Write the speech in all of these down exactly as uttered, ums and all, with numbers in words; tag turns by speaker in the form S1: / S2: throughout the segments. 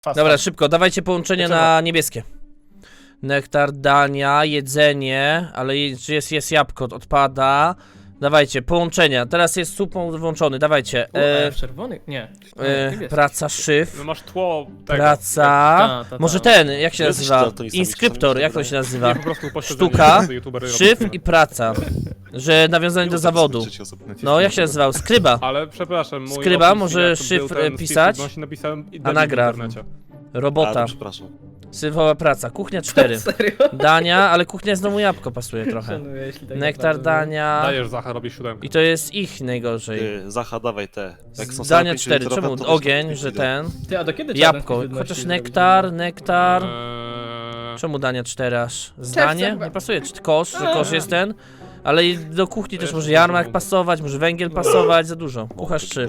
S1: Fast
S2: Dobra,
S1: fast.
S2: szybko, dawajcie połączenie na niebieskie. Nektar, Dania, jedzenie, ale je- czy jest, jest jabłko, odpada. Dawajcie, połączenia. Teraz jest supą włączony, dawajcie.
S3: U, e,
S2: E,
S3: w czerwonych? Nie.
S2: e,
S3: Niebieski.
S2: praca, szyf.
S4: No masz tło tego.
S2: Praca.
S3: Ta, ta, ta.
S2: Może ten, jak się
S5: Jesteś
S2: nazywa?
S5: daltonistami,
S2: Inskryptor,
S5: czasami
S2: jak
S5: się
S2: to się
S5: wydaje.
S2: nazywa?
S4: Nie, po prostu upośledzenie,
S2: Sztuka,
S4: że youtubery robią.
S2: Szyf i praca. Że nawiązanie do zawodu. No, jak się nazywał? Skryba.
S4: Ale przepraszam, mój
S2: Skryba,
S4: opis,
S2: może
S4: jak to był
S2: szyfr,
S4: ten
S2: pisać?
S4: Steve Jobs, napisałem i
S2: A
S4: dali
S2: nagra.
S4: w internecie.
S2: Robota.
S5: A, przepraszam.
S2: Syfowa praca. Kuchnia cztery.
S3: Serio?
S2: Dania, ale kuchnia znowu jabłko pasuje trochę.
S3: Szanuję, jeśli tak
S2: Nektar,
S3: naprawdę.
S2: Dania.
S4: Dajesz Zacha, robi siódemkę.
S2: I to jest ich najgorzej.
S5: Ty, Zacha, dawaj te. Jak są
S2: Dania
S5: same
S2: cztery.
S5: pięć
S2: Czemu
S5: litrowe, to
S2: ogień,
S5: weź
S2: że
S5: na
S2: ten?
S3: Ty, a do kiedy
S2: Jabłko.
S3: czarne
S2: Chociaż
S3: zrobić?
S2: nektar, nektar.
S4: Eee,
S2: Czemu Dania cztery aż? Zdanie? Nie pasuje. Czy kosz? Że kosz jest ten? Ale i do kuchni też może jarmark pasować, może węgiel pasować, za dużo. Kucharz trzy.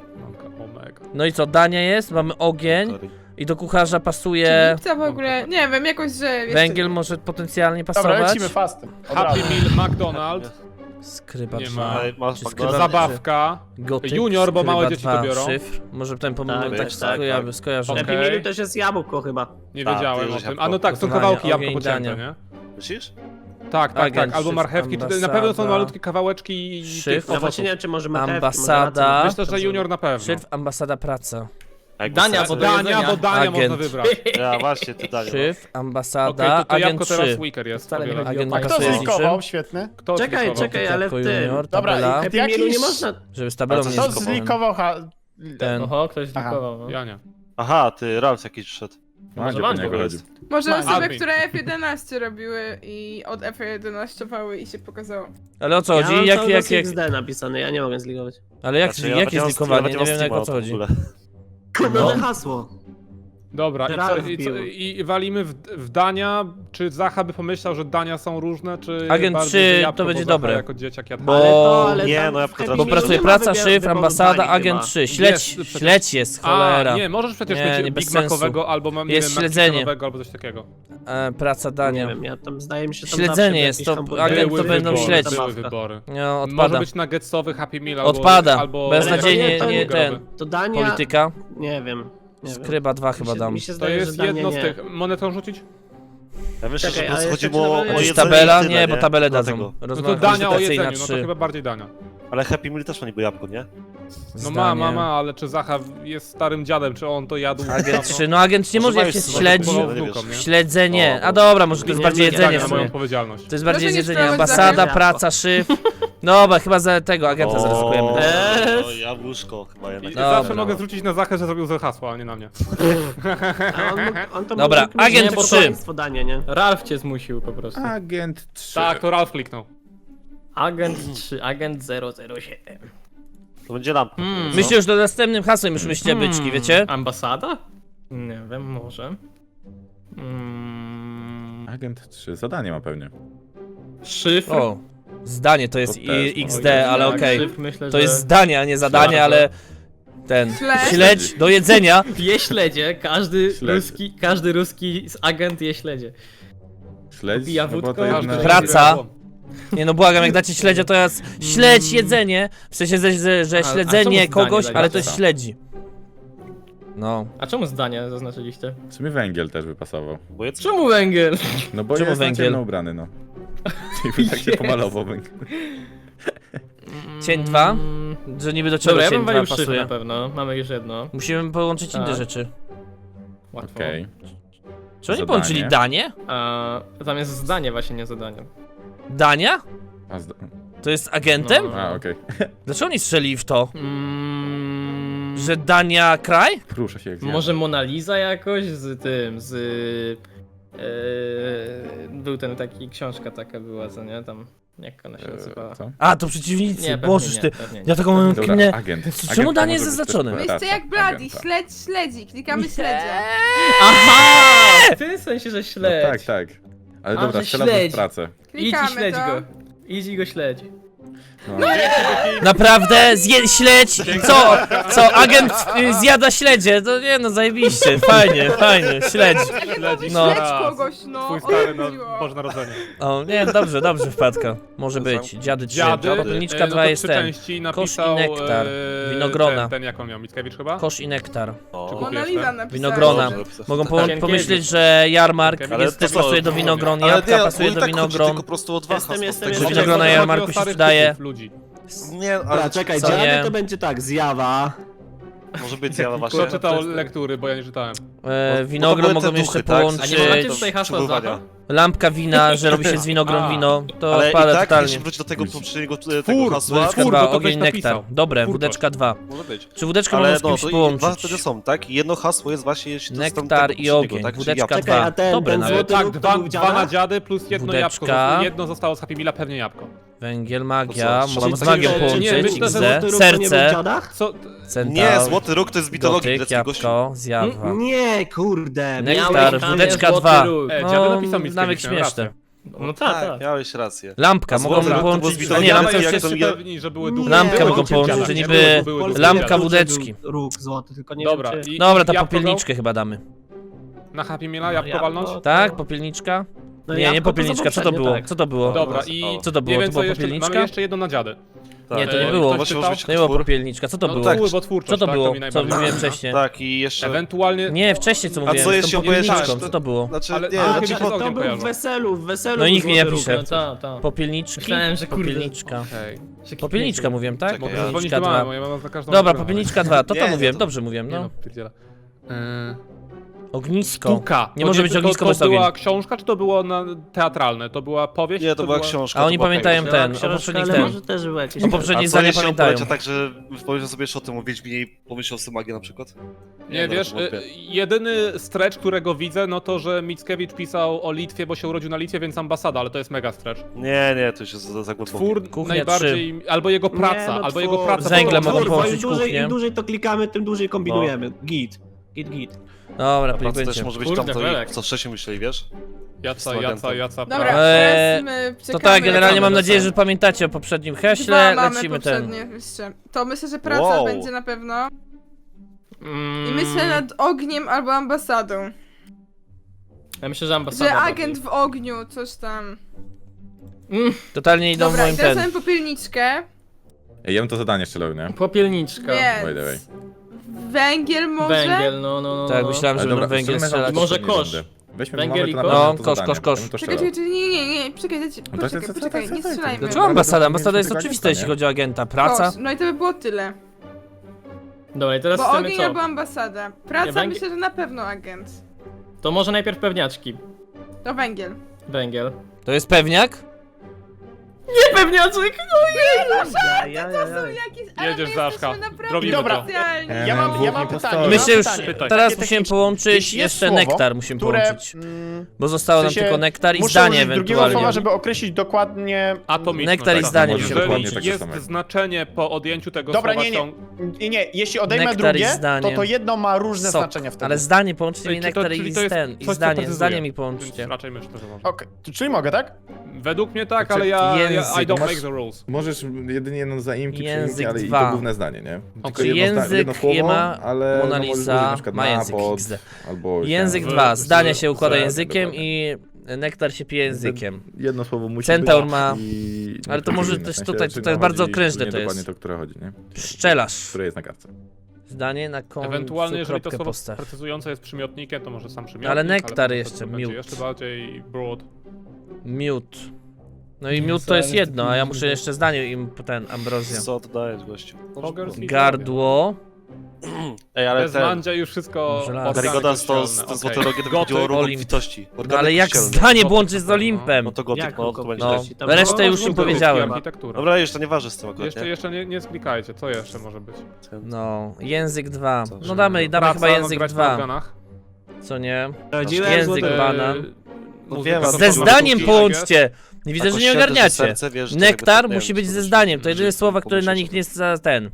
S4: Omega.
S2: No i co, Dania jest, mamy ogień i do kucharza pasuje
S6: Co w ogóle? Nie wiem, jakoś, że... jeszcze-
S2: węgiel może potencjalnie
S1: Dobra,
S2: pasować.
S1: lecimy fastem. Od
S4: Happy
S1: razu.
S4: Meal McDonald's,
S2: Skryba
S4: Nie
S2: dwa.
S4: ma.
S5: Ale masz
S2: Skryba
S5: McDonald's?
S4: zabawka,
S2: Gotyk,
S4: Junior, bo małe
S2: skryba
S4: dzieci to
S2: dwa,
S4: biorą.
S2: Szyfr. Może ten pomysł
S7: Tak,
S2: tak,
S7: tak,
S2: tak,
S7: tak,
S2: skojarzy,
S5: tak.
S2: skojarzy.
S4: Okej.
S7: Happy Meal to już jest jabłko chyba.
S4: nie
S5: A,
S4: wiedziałem
S5: ty
S4: o
S5: już
S4: tym.
S5: jabłko.
S4: A no tak, są
S2: Gotowania,
S4: kawałki jabłko
S2: ogień,
S4: pocięte,
S2: dania.
S4: nie?
S5: Myślisz?
S4: Tak, tak,
S2: Agent,
S4: tak, albo
S2: szyf,
S4: marchewki, czy na pewno są
S2: ambasada.
S4: malutkie kawałeczki i
S2: Szyf.
S4: tych
S7: Ja właśnie
S4: owoców.
S7: nie wiem, czy może marchewki,
S2: Ambasada.
S7: może
S4: Myślę, że Junior na pewno.
S2: Szyfr, ambasada, praca.
S5: A jak
S3: Dania,
S5: masz
S3: bo
S5: serce?
S3: do
S4: Dania,
S3: jedzenia.
S4: bo Dania
S2: Agent.
S4: można wybrać.
S5: Ja właśnie, ty Dania.
S2: Szyfr,
S4: Okej,
S2: ambasada,
S4: to to
S2: agent
S4: jabłko teraz
S2: trzy.
S4: Weaker jest.
S3: Wcale nie
S4: powielę.
S3: chodzi o
S2: Agent
S3: państwo.
S1: Kto
S2: pasuje z
S1: zlikował?
S2: niczym.
S1: Świetny.
S4: Kto
S7: Czekaj,
S4: zlikował?
S7: czekaj, ale w
S2: Tylko
S7: tym.
S2: junior,
S1: Dobra,
S2: tabela,
S1: i-
S7: Happy Mealu nie
S1: Jakiś-
S7: można...
S2: żeby z tabelą
S5: A co
S2: nie
S1: Kto
S5: zlikowałem?
S1: zlikował? Ha...
S2: ten.
S3: Oho, ktoś
S1: Aha.
S3: zlikował. No.
S4: Ja nie.
S5: Aha, ty, Ralf jakiś przyszedł.
S3: Może
S8: Mandzio po
S3: Mandzio
S8: niego
S5: jest.
S8: chodzi.
S6: Może
S1: Ma-
S6: osoby,
S4: admin.
S6: które F jedenaście robiły i od F jedenaście-wały i się pokazało.
S2: Ale o co
S7: Ja
S2: chodzi?
S7: mam
S2: Jak,
S7: cały
S2: jak,
S7: czas
S2: jak,
S7: X D napisane, ja nie mogę zligować.
S2: ale jak,
S5: Znaczy, ja
S2: jakie
S5: nawet nie mam-
S2: zlikowanie?
S5: nawet
S2: Nie
S5: mam
S2: wiem jak o
S5: Steama
S2: co
S5: w
S2: chodzi.
S5: ogóle.
S7: Nowe hasło.
S4: Dobra, i, co,
S7: Ralf
S4: i, co,
S7: bił.
S4: i walimy w, w Dania. Czy Zacha by pomyślał, że Dania są różne, czy
S2: Agent
S4: bardziej,
S2: trzy
S4: że jabłko,
S2: to
S4: bo
S2: będzie
S4: Zacha
S2: dobre.
S4: jako dzieciak jadł.
S2: Bo-
S7: Ale to, ale
S5: Nie,
S7: tam
S5: no ja
S7: w
S5: potrafię-
S7: Happy
S2: Bo
S7: Mealu
S2: pracuje
S7: nie ma
S2: praca,
S7: wybior-
S2: szyfr,
S7: wyboru
S2: ambasada,
S7: Danii
S2: agent
S7: chyba.
S2: trzy. Śledź,
S4: Jest przecież.
S2: śledź jest, cholera.
S4: A, nie, możesz przecież
S2: Nie,
S4: mieć
S2: nie, bez
S4: Big
S2: sensu.
S4: Macowego albo mam nie
S2: Jest
S4: wiem,
S2: śledzenie.
S4: McChickenowego albo coś takiego.
S2: E, praca
S7: Nie
S2: Dania.
S7: wiem, ja tam zdaje mi się tam
S2: Śledzenie
S7: zawsze
S2: jest,
S7: jakieś
S2: to
S7: hamburgery
S2: agent
S4: były
S2: to będą
S4: wybory,
S2: śledzić.
S4: Były
S7: zabawka.
S4: wybory.
S2: No,
S4: Może
S2: odpada.
S4: być nuggetsowy Happy Meal albo...
S2: Odpada.
S4: albo
S2: Beznadziejnie
S7: Ale
S2: nie
S7: to
S2: ten.
S7: To Dania...
S2: Polityka.
S7: Nie wiem. Nie wiem.
S2: Skryba dwa
S7: Mi
S2: chyba
S7: się-
S2: dam.
S7: Mi się
S4: To
S7: zdaje,
S4: jest
S7: że Dania
S4: jedno z
S7: nie.
S4: tych... Monetą rzucić?
S5: Ja myślę,
S7: Czekaj,
S5: że po
S7: ale
S5: prostu
S7: jeszcze
S5: chodziło o
S7: czy
S5: o
S7: nawet-
S2: Czy
S5: jedzenie
S2: tabela?
S5: i tyle,
S2: Nie, bo tabelę
S5: Dlatego.
S2: dadzą.
S4: No to
S2: Rozmowa
S4: Dania o
S2: konsultacyjna
S4: jedzeniu, no to
S2: trzy.
S4: chyba bardziej Dania.
S5: Ale Happy Meal też ma niby jabłko, nie?
S4: No ma, ma, ma, ale czy Zacha jest starym dziadem, czy on to jadł?
S2: Agent trzy, no agent nie może jak się
S5: Używałeś
S2: śledzi.
S5: słowa,
S4: Śledzi.
S5: nie wiesz.
S2: Śledzenie.
S5: O,
S2: A dobra, może to jest
S7: nie
S2: bardziej
S7: wiem,
S2: jedzenie
S7: jak
S2: w
S4: na moją
S2: sumie.
S4: odpowiedzialność.
S2: To jest bardziej
S6: Proszę nie
S2: jedzenie.
S6: sprawdzać
S2: Ambasada,
S7: zakresu.
S2: praca, szyf. Dobra, chyba za tego agenta
S5: O,
S2: zaryzykujemy.
S5: O, jabłuszko chyba
S4: I
S5: jednak.
S2: Dobra.
S4: zawsze mogę zwrócić na Zachę, że zrobił złe hasło, a nie na mnie.
S7: A on, mógł- on to
S2: Dobra,
S7: mógł-
S2: agent
S7: nie, bo
S2: trzy.
S7: to państwo Dania, nie?
S3: Ralf cię zmusił po prostu.
S8: Agent trzy.
S4: Tak, to Ralf kliknął.
S3: Agent trzy, agent zero zero siedem.
S5: To będzie lampka.
S3: Hmm.
S5: co?
S2: Myślę, że do następnym hasłem już myślcie byczki, wiecie?
S3: Ambasada? Nie wiem, może. Mm,
S8: Agent trzy. Zadanie ma pewnie.
S3: szyfr?
S2: O, zdanie to jest
S8: To też
S2: i-
S8: może
S2: X D, ale
S3: Tak,
S2: okej.
S3: szyfr myślę,
S2: To
S3: że...
S2: jest zdanie, a nie zadanie,
S3: Śledź.
S2: ale ten.
S6: Śledź.
S2: Śledź do jedzenia.
S3: Je śledzie, każdy
S8: Śledzie.
S3: ruski, każdy ruski agent je śledzie.
S8: Śledź.
S3: Popija
S8: no bo
S3: wódką,
S8: to
S3: aż
S8: jedna...
S3: do-
S2: Praca. Nie no błagam, jak dacie śledzia to jest śledź jedzenie. W sensie, że, że, że
S3: A- a czemu
S2: śledzenie
S3: zdanie
S2: kogoś,
S3: dajecie?
S2: ale to jest śledzi. No.
S3: A czemu zdanie zaznaczyliście?
S8: W sumie węgiel też by pasował.
S5: Bo jedzenie.
S3: Czemu węgiel?
S8: No bo
S2: Czemu
S8: jest
S2: węgiel?
S8: na ciemno ubrany, no. I tak się pomalował węgiel.
S2: Cień dwa?
S3: Mm,
S2: Że niby do czego
S3: Dobra, ja
S2: cień
S3: bym
S2: dwa
S3: walił szyfr
S2: pasuje.
S3: na pewno. Mamy już jedno.
S2: Musimy połączyć inne
S3: Tak.
S2: rzeczy.
S3: Łatwo.
S8: Okej.
S2: Czy oni
S8: Zadanie.
S2: połączyli danie?
S3: A tam jest zdanie właśnie, nie zadanie.
S2: Dania?
S8: A zda...
S2: To jest agentem?
S3: No.
S8: A, okej.
S2: Dlaczego oni strzeli w to?
S3: Mm,
S2: Że Dania kraj?
S8: Ruszę się jak zjadę.
S3: Może Mona Lisa jakoś z tym, z... Yy, był ten taki, książka taka była, co nie? Tam, jak ona się nazywała?
S8: Eee, co?
S2: A, to przeciwnicy.
S3: Nie, pewnie
S2: Bożeż
S3: nie,
S2: ty.
S3: pewnie nie.
S2: Ja taką mam
S8: Dobra,
S2: kminę.
S8: agent.
S2: Czemu
S8: Agent to
S2: danie
S8: może
S2: jest
S8: być
S2: zaznaczone?
S8: też
S6: Myślcie
S8: praca
S6: jak Bladi,
S8: agenta.
S6: śledź, śledzi, klikamy śledzie.
S3: Aha! W tym sensie, że
S8: No
S3: śledź.
S8: tak, tak. Ale
S3: A,
S8: dobra,
S3: że
S8: strzelam w
S3: śledź.
S8: pracę.
S3: Idź i
S6: Klikamy
S3: śledź
S6: to.
S3: go. Idź i go śledź.
S8: No.
S2: Naprawdę? Zje śledź? Co? Co? Agent y, zjada śledzie? To nie no, zajebiście. Fajnie, fajnie. Śledź.
S4: Śledzi
S2: No.
S4: no.
S6: Śledź kogoś, no.
S4: Twój
S6: o
S4: stary
S6: co
S4: na
S6: chodziło?
S4: Boże Narodzenie.
S2: O, nie, dobrze, dobrze wpadka. Może być. Dziady trzy.
S4: Dziady,
S2: Popelniczka
S4: e, no
S2: dwa
S4: to
S2: jest
S4: trzy
S2: ten.
S4: części
S2: Kosz i
S4: napisał,
S2: nektar.
S4: e,
S2: Winogrona.
S4: Ten, ten jak on miał, Mickiewicz chyba?
S2: Kosz i nektar.
S5: O,
S6: Mona Lisa napisała.
S2: Winogrona.
S6: że-
S2: Mogą po
S3: Sienkiewicz.
S2: pomyśleć, że jarmark
S4: Ale
S2: jest,
S5: to
S2: też
S5: co?
S2: pasuje do winogron,
S5: Ale
S2: jabłka
S5: nie,
S2: pasuje
S5: on
S2: do
S5: tak chodzi
S2: winogron.
S5: tylko po prostu o dwa
S7: Jestem,
S5: hasła.
S7: jestem,
S5: z tego,
S7: jestem.
S5: że-
S2: Winogrona
S4: Chodzi o
S2: jarmarku się
S4: starych
S2: sprzedaje.
S4: typów ludzi.
S5: Nie, ale
S7: Dobra, czekaj,
S2: Co
S7: dziady
S2: nie?
S7: to będzie tak, zjawa.
S5: może być ja właśnie.
S4: Kto czytał lektury, bo ja nie czytałem.
S2: E,
S5: Bo
S2: winogron
S5: to były
S2: mogą
S5: te
S2: jeszcze
S5: duchy, tak?
S2: połączyć.
S3: A nie macie tutaj hasła
S5: Przybywania.
S3: Zacha?
S2: Lampka wina, że robi się z winogron
S4: A.
S2: wino. To
S5: Ale i
S2: odpada
S5: tak,
S2: totalnie.
S5: jeśli wrócić do tego poprzedniego e,
S4: Twór,
S5: tego hasła,
S2: Wódeczka
S4: Twór, bo
S2: dwa,
S4: to
S2: ogień
S4: ktoś napisał.
S2: nektar. Dobre,
S4: Twór
S2: wódeczka dwa.
S5: może być.
S2: Czy wódeczkę
S5: Ale
S2: można z
S5: no,
S2: kimś
S5: to i dwa
S2: połączyć?
S5: wtedy są, tak? I jedno hasło jest właśnie, jeśli to jest tam
S2: Nektar
S5: tego
S2: i
S5: poprzedniego,
S2: ogień,
S5: tak? Czyli
S2: wódeczka
S5: jabłko.
S2: dwa.
S7: Czekaj, a ten-
S2: Dobre
S7: ten
S2: nawet.
S7: złoty-
S4: Tak,
S7: róg to
S4: dwa,
S7: był
S4: dwa
S7: dziada?
S4: na dziady plus jedno
S2: Wódeczka.
S4: jabłko. Jedno zostało z Happy Meala, pewnie jabłko.
S2: Węgiel, magia,
S5: To co,
S2: mogą z
S5: czyli-
S2: magią
S5: nie,
S2: połączyć,
S4: myślę, że
S2: X D,
S7: Złoty róg to nie był w
S2: serce,
S7: dziadach?
S4: Co?
S2: centaur,
S5: Nie, złoty róg to jest z mitologii
S2: gotyk,
S5: greckiej, gościu.
S2: jabłko, zjawa.
S7: Nie, kurde.
S2: Nektar,
S7: miałeś-
S3: tam
S2: wódeczka
S3: jest
S2: dwa.
S3: złoty róg.
S4: E,
S2: No,
S4: dziady napisał Mickiewicz,
S2: nawet
S4: miałem
S2: śmieszne.
S4: rację.
S3: No tak, tak.
S5: miałeś rację.
S2: Lampka,
S5: A
S2: mogą
S5: złoty róg to było
S2: połączyć,
S5: z
S2: a nie,
S5: mitologii,
S2: lampka
S5: jak
S2: już
S5: to
S2: jest,
S5: mi-
S4: pewni, że były
S7: Nie,
S4: duchy.
S2: Lampkę
S4: Były
S2: mogą
S4: duchy
S2: połączyć,
S4: dziada,
S2: że
S4: nie?
S2: niby
S4: Były- były duchy
S2: lampka
S4: dziada.
S2: wódeczki.
S7: Róg złoty, tylko nie
S4: Dobra,
S7: wiem czy...
S4: i-
S2: Dobra, ta
S4: jabłko
S2: popielniczkę chyba damy.
S4: Na Happy Meala jabłko
S7: jabłko.
S4: walnąć?
S2: Tak, popielniczka?
S7: No
S2: Nie,
S7: jabłko
S2: nie
S7: to za
S2: popielniczka, co to
S7: poprzednie,
S2: było?
S7: tak.
S2: Co to było?
S4: Dobra,
S5: O,
S4: i
S2: co to było?
S4: nie wiem
S2: To była
S4: co jeszcze,
S2: popielniczka?
S4: mamy jeszcze jedno na dziady.
S2: Nie, to nie
S4: E,
S2: było.
S4: ktoś
S5: Właśnie
S4: czytał?
S5: może być
S2: To nie była
S5: twór.
S2: popielniczka, co to
S4: No,
S2: było?
S5: tak,
S4: twór, bo twórczość,
S2: Co to
S4: tak,
S2: było?
S4: mi
S2: Co
S4: najbardziej
S2: mówiłem
S4: przypada.
S2: wcześniej?
S5: Tak, i jeszcze...
S4: Ewentualnie...
S2: Nie, wcześniej co mówiłem,
S5: co
S2: z tą
S5: jeśli opowiedzieć-
S2: popielniczką,
S5: tak,
S2: co to było?
S5: Znaczy,
S4: Ale-
S5: nie,
S4: ale
S5: znaczy,
S4: kiedy
S7: To,
S4: z ogniem
S7: to był w
S4: kojarzą.
S7: weselu, w weselu
S2: No i nikt mi nie
S7: był
S2: pisze.
S7: złoty róg.
S3: No ta, ta.
S2: Popielniczki?
S3: Myślałem, że kurde.
S2: Popielniczka.
S4: Okej.
S2: Popielniczka mówiłem, tak?
S5: Czekaj,
S4: Mogę zadzwonić
S2: Popielniczka
S4: do mamy,
S2: dwa.
S4: bo ja mam za każdą
S2: Dobra,
S4: stronę.
S2: popielniczka dwa, to
S5: Nie,
S2: to
S5: nie,
S2: mówiłem,
S5: to-
S2: dobrze mówiłem,
S4: Nie no,
S2: no.
S4: pierdziele. Eee,
S2: Ognisko.
S4: Sztuka.
S2: Nie
S4: To
S2: może być ognisko
S4: to,
S2: bez
S4: to była
S2: ogień.
S4: książka, czy to było na, teatralne? To była powieść?
S5: Nie,
S4: czy
S5: to była książka.
S2: A
S5: to
S2: oni
S5: była
S2: pamiętają
S5: książka.
S2: ten, o
S7: Książka,
S2: poprzednich
S7: ale
S2: ten.
S7: może też było jakieś...
S2: O poprzednich
S5: A co
S2: zdania
S5: jeśli on
S2: pamiętają.
S5: powiedział tak, że pomyślał sobie jeszcze o tym o Wiedźminie i pomyślał sobie magię na przykład?
S4: Nie,
S5: no,
S4: wiesz,
S5: to wątpię.
S4: y, jedyny stretch, którego widzę, no to, że Mickiewicz pisał o Litwie, bo się urodził na Litwie, więc ambasada, ale to jest mega stretch.
S5: Nie, nie, to już jest za, za głęboko.
S4: Twór
S2: Kuchnia
S4: najbardziej, albo jego praca,
S7: Nie, no
S4: albo
S7: twór.
S4: jego praca.
S2: Z węglem
S4: po
S2: mogą
S4: prostu.
S2: połączyć
S7: Im dłużej,
S2: kuchnię.
S7: Im dłużej to klikamy, tym dłużej kombinujemy. Git. Git, git.
S2: Dobra,
S5: A praca też
S2: będzie.
S5: może być
S3: Kurde,
S5: tam, to,
S3: Belek.
S5: co wcześniej myśleli, wiesz?
S4: Jaca, jaca, jaca,
S6: Dobra,
S4: praca.
S2: Eee,
S6: teraz my
S2: To
S6: czekamy.
S2: tak, generalnie mam
S3: Wracamy do
S2: nadzieję,
S3: celu.
S2: że pamiętacie o poprzednim
S6: Dwa
S2: heśle,
S6: mamy
S2: lecimy ten.
S6: poprzednie jeszcze. To myślę, że praca
S5: Wow.
S6: będzie na pewno.
S3: Mm,
S6: I myślę nad ogniem albo ambasadą.
S3: Ja myślę, że ambasada.
S6: Że agent w ogniu, coś tam.
S3: Mm,
S2: Totalnie idą w
S6: Dobra,
S2: moim
S6: i teraz
S2: ten.
S6: mamy popielniczkę,
S8: Ej, ja bym to zadanie strzelał, nie?
S3: popielniczka.
S8: By the way.
S6: więc... Węgiel może?
S3: Węgiel, no, no, no.
S2: Tak,
S3: no.
S2: myślałem, że
S8: Ale
S2: będą
S8: dobra,
S2: węgiel
S8: strzelmy
S2: strzelać.
S8: na
S3: Może
S8: poprzedniej
S3: kosz.
S8: rundy. Weźmy,
S3: Węgiel
S8: mamy
S3: i
S8: to
S3: kosz?
S8: naprawdę
S2: No,
S8: to
S2: kosz,
S8: zadanie.
S2: kosz, kosz.
S8: Ja bym to
S6: Czekaj,
S8: strzelał.
S6: czekaj, nie, nie, nie, poczekaj, dajcie-
S8: No to jest-
S6: poczekaj,
S8: to- to-
S6: poczekaj,
S8: to-
S6: nie
S8: to- to-
S6: strzelajmy.
S2: Dlaczego ambasada? Ambasada jest
S8: Mieliśmy
S2: oczywista,
S8: tego
S2: jeśli chodzi o agenta. Praca?
S6: Kosz, no i to by było tyle.
S3: Dobra, i teraz
S6: Bo
S3: chcemy
S6: ogień
S3: co?
S6: albo ambasada. Praca
S3: węgiel-
S6: myślę, że na pewno agent.
S3: To może najpierw pewniaczki.
S6: To węgiel.
S3: Węgiel.
S2: To jest pewniak?
S3: Nie pewniaczek!
S7: Ja, ja, ja, ja.
S6: Jakieś, ale
S4: Jedziesz,
S6: my
S4: Zaszka.
S6: jesteśmy naprawdę
S4: Robimy
S1: to.
S6: specjalni.
S1: Ja mam, ja mam
S8: Dwóch
S1: pytanie.
S8: impostorów.
S1: ja
S2: Myślę
S1: mam
S2: już,
S1: pytanie.
S4: Pytaj.
S2: teraz
S1: Takie
S2: musimy
S1: techniczne.
S2: połączyć,
S1: Jeśli jest
S2: jeszcze
S1: słowo,
S2: nektar musimy
S1: które,
S2: połączyć.
S1: mm,
S2: Bo zostało
S1: w
S2: nam
S1: sensie
S2: tylko nektar i
S1: muszę
S2: zdanie
S1: użyć drugiego
S2: ewentualnie.
S1: słowa, żeby określić dokładnie...
S4: Atomiczność.
S2: Nektar i
S4: tak.
S2: zdanie
S8: musimy
S4: Jeżeli
S8: połączyć takie
S4: jest
S8: same.
S4: znaczenie po odjęciu tego
S1: Dobra,
S4: słowa,
S1: nie, nie.
S4: są...
S1: Nie, nie, jeśli odejmę
S2: Nektar i
S1: drugie,
S2: zdanie.
S1: to to jedno ma różne
S2: Sok.
S1: znaczenia wtedy.
S2: Ale zdanie, połączcie
S4: Czyli
S2: mi
S4: to-
S2: nektar
S4: czyli
S2: i
S4: to jest
S2: ten, i
S4: coś, co
S2: zdanie,
S4: precyzuje.
S2: zdanie mi
S4: Więc
S2: połączcie.
S4: raczej myślę, że można.
S1: Okej, to czyli mogę, tak?
S4: Według mnie tak,
S8: Znaczy,
S4: ale ja, ja
S2: język.
S4: I don't
S8: Masz-
S4: make the rules.
S8: Możesz jedynie jedną zaimki
S2: Język
S8: przyjąć, ale i
S2: dwa.
S8: to główne zdanie, nie? Tylko
S4: Czyli
S8: jedno, zda-
S2: język
S8: jedno słowo,
S2: nie ma,
S8: ale
S2: Mona
S8: no możesz
S2: Lisa
S8: użyć na przykład
S2: ma
S8: na,
S2: język
S8: pod,
S2: X D.
S8: albo
S2: Język
S4: w-
S2: dwa,
S4: w-
S2: zdanie się układa
S8: w-
S2: językiem
S8: dokładnie.
S2: i nektar się pije językiem.
S8: Jedno słowo musi
S2: Centaur
S8: być
S2: ma-
S8: i...
S2: ale to może
S8: precyzyjne,
S2: też
S8: w sensie,
S2: tutaj-
S8: czy
S2: tutaj
S8: nam
S2: bardzo
S8: chodzi
S2: okrężne
S8: nie
S2: to jest.
S8: dokładnie to, które chodzi, nie?
S2: Pszczelarz.
S8: Które jest na kartce.
S2: Zdanie na końcu,
S4: Ewentualnie, jeżeli to
S2: kropkę
S4: słowo
S2: postaw.
S4: precyzujące jest przymiotnikiem, to może sam przymiotnik.
S2: Ale nektar
S4: to-
S2: jeszcze,
S4: to będzie
S2: miód.
S4: jeszcze bardziej broad.
S2: Miód. No i miód to jest jedno, a ja muszę jeszcze zdanie im ten Ambrozja.
S5: Co to dajesz, gościu?
S4: Poggers i
S2: Gardło.
S5: Ej, ale
S3: Tak.
S4: Bez
S5: ten...
S4: mandzia już wszystko...
S2: Żelazo.
S4: organy
S5: Karygodas to,
S4: kościelne,
S5: to
S4: okej.
S5: złote rogi to
S4: Gotyk,
S5: chodziło o ruch
S2: Olimp.
S5: obfitości.
S2: No ale jak zdanie łączyć z Olimpem?
S5: No to gotyk,
S7: Jak
S5: no to
S7: gotyk?
S5: będzie
S2: No.
S5: tak.
S7: Tam
S2: Resztę
S7: było
S2: już im
S4: Gotyk i
S2: powiedziałem.
S4: architektura.
S5: Dobra, jeszcze nie waży z tym akurat,
S4: Jeszcze,
S5: nie?
S4: jeszcze nie, nie sklikajcie, co jeszcze może być?
S2: No, język dwa.
S5: Co,
S2: No
S5: że-
S2: damy, damy
S4: Praca,
S2: chyba
S4: no,
S2: język
S4: grać na
S2: dwa.
S4: organach.
S2: Co nie?
S7: Sprawdziłem
S2: Język
S7: złoty-
S2: banan.
S4: Eee,
S5: No
S4: muzyka
S5: wiem,
S4: to
S2: Ze
S5: to
S4: są
S2: zdaniem
S4: sztuki,
S2: połączcie! Nie widzę,
S5: Tak,
S2: że nie
S5: ościeżne
S2: ogarniacie.
S5: serce, wiesz, że
S2: Nektar
S5: jakby to- nie
S2: musi
S5: wiem,
S2: być
S5: co
S2: ze
S5: to
S2: zdaniem. To
S5: się-
S2: jedyne słowa, które na
S5: pomyśleć
S2: nich
S5: o
S2: nie jest za ten.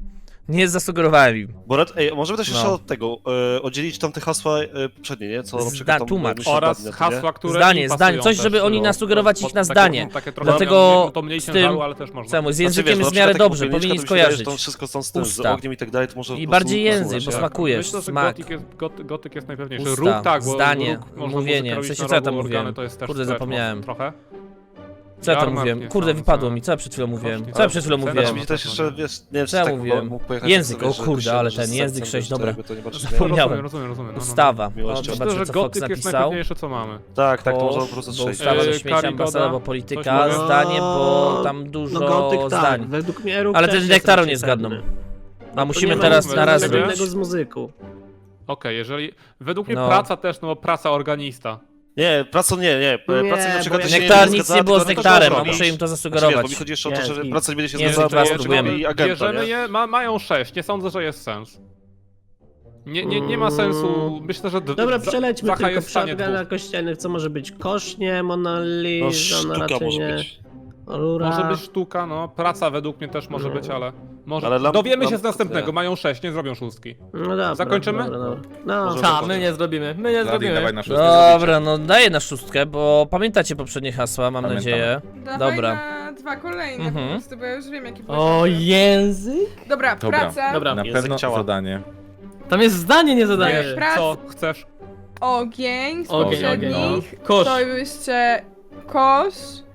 S2: Nie zasugerowałem im.
S5: Borat, ej, możemy też jeszcze
S2: No.
S5: od tego e, oddzielić tam te hasła e, poprzednie, nie? Co na
S2: Zda-
S5: przykład tam
S2: tłumacz.
S5: myślę,
S4: Oraz
S5: padnie, to
S4: hasła, które
S2: Zdanie,
S4: im
S2: zdanie,
S4: pasują
S2: coś,
S4: też,
S2: żeby oni
S4: bo-
S2: nasugerować
S4: bo-
S2: ich na
S4: takie-
S2: zdanie.
S4: Takie trochę
S2: Dlatego
S4: miał- to mniej
S2: z
S4: się
S2: tym-
S4: żaru, ale też można.
S2: Czemu? Z
S5: Znaczy,
S2: językiem
S5: wiesz,
S2: jest w
S5: na
S2: miarę
S5: przykład
S2: dobrze,
S5: taka
S2: powinni
S5: popierniczka, to mi się wydaje,
S2: skojarzyć.
S5: że tam wszystko są z tym, z
S2: Usta.
S5: ogniem i tak dalej, to może
S2: I
S5: po
S2: bardziej
S5: prostu
S2: język,
S5: posłuchać,
S2: bo
S5: nie?
S2: smakujesz,
S4: Myślę, że
S2: smak.
S4: gotyk jest, got, gotyk jest najpewniejszy.
S2: Usta,
S4: Róg tak, bo
S2: zdanie,
S4: róg można
S2: mówienie.
S4: muzykę
S2: W sensie
S4: robić
S2: co ja
S4: na
S2: tam
S4: rogu,
S2: mówiłem?
S4: organy, to jest też
S2: Kurde,
S4: stretch
S2: zapomniałem.
S4: mocno Trochę.
S2: Co ja tam
S4: Jarmark
S2: mówiłem?
S4: nie
S2: Kurde,
S4: sądzę.
S2: wypadło mi, co ja przed chwilą mówiłem?
S4: Kości,
S2: Co ja
S4: ale
S2: przed chwilą
S4: cena-
S2: mówiłem?
S5: Znaczy mi też jeszcze, wiesz, nie wiem, czy
S2: Co ja
S5: tak
S2: mówiłem?
S5: mógł pojechać
S2: Język,
S5: sobie,
S2: o
S5: że
S2: kurde,
S5: się-
S2: ale
S5: że
S2: ten
S5: z
S2: język
S5: sercem,
S2: sześć,
S5: że
S2: dobra.
S5: jakby to nie patrzeć, nie?
S2: Zapomniałem.
S4: Rozumiem, rozumiem, rozumiem. No, no, no.
S2: Ustawa.
S5: Miłością.
S2: O,
S4: Myślę,
S2: zobaczę,
S4: że
S2: co Fox
S4: gotyk jest
S2: napisał.
S4: najpewniejsze, co mamy.
S5: Tak, tak, to można po
S2: Kosz,
S5: prostu
S2: bo
S5: strzelić.
S2: ustawa
S4: Yy,
S2: ze śmieci,
S4: Karigoda,
S2: ambasada, bo
S4: coś
S2: polityka,
S4: mówię?
S2: zdanie, bo tam dużo
S7: No gotyk tak,
S2: zdań.
S7: według mnie róg
S2: Ale
S7: też
S2: ten
S7: jest
S2: nektaru
S7: raczej
S2: nie zgadną.
S7: pewny.
S2: A
S7: To
S2: musimy
S7: nie
S2: teraz
S7: ma
S2: na raz
S7: nic
S4: zrobić.
S7: wspólnego z muzyką.
S4: Okej, jeżeli... Według mnie
S2: No.
S4: praca też, no bo praca organista.
S5: Nie, praca nie, nie.
S7: Nie,
S5: Praca na przykład
S7: bo
S5: też
S7: jak-
S5: nie
S2: Nektar
S5: jest
S2: nic
S5: zgadzana,
S2: nie było z
S5: tylko to
S2: nektarem, a
S5: zrobić.
S2: muszę im to
S5: Znaczy, wiesz,
S2: zasugerować.
S5: bo mi chodzi jeszcze o to,
S7: Jest
S5: że
S7: git.
S5: praca nie będzie się
S2: Nie,
S5: zgadzała
S2: to
S5: z
S2: spróbujemy.
S5: i agenta,
S4: Bierzemy
S5: nie?
S4: je, ma, mają sześć, nie sądzę, że jest sens. Nie, nie, nie ma sensu, myślę, że... d-
S7: Dobra,
S4: za-
S7: przelećmy
S4: Zacha
S7: tylko
S4: jest
S7: w
S4: w stanie
S7: shotguna
S4: dwóch.
S7: kościelnych, co może być? Kośnie, Mona
S5: No
S7: Lisa, no
S5: sztuka
S7: raczej
S5: może
S7: nie.
S5: być.
S7: Rura.
S4: Może być sztuka, no. Praca według mnie też może
S7: No.
S4: być, ale... Może...
S5: Ale lamp-
S4: Dowiemy się
S5: lamp-
S4: z następnego,
S5: nie.
S4: mają sześć, nie zrobią szóstki.
S7: No dobra,
S4: Zakończymy?
S7: Dobra, dobra. No,
S5: Może-
S3: Ta, my nie zrobimy, my nie
S8: Vladi, dawaj
S3: zrobimy.
S8: na szóstkę.
S2: Dobra, no daję na szóstkę, bo pamiętacie poprzednie hasła, mam
S8: Pamiętam.
S2: nadzieję.
S6: Dawaj
S2: Dobra.
S6: na dwa kolejne
S2: Mhm.
S6: po prostu, bo ja już wiem jaki
S3: O, język?
S6: Dobra,
S8: Dobra.
S6: praca,
S3: Dobra,
S8: Na
S5: Język
S8: pewno
S5: ciała.
S8: zadanie.
S3: tam jest zdanie, nie zadanie.
S4: Wiesz,
S6: Prac-
S4: co chcesz?
S6: ogień, z
S3: Ogień,
S8: ogień,
S6: poprzednich,
S3: no. Kosz.
S6: to jeszcze kosz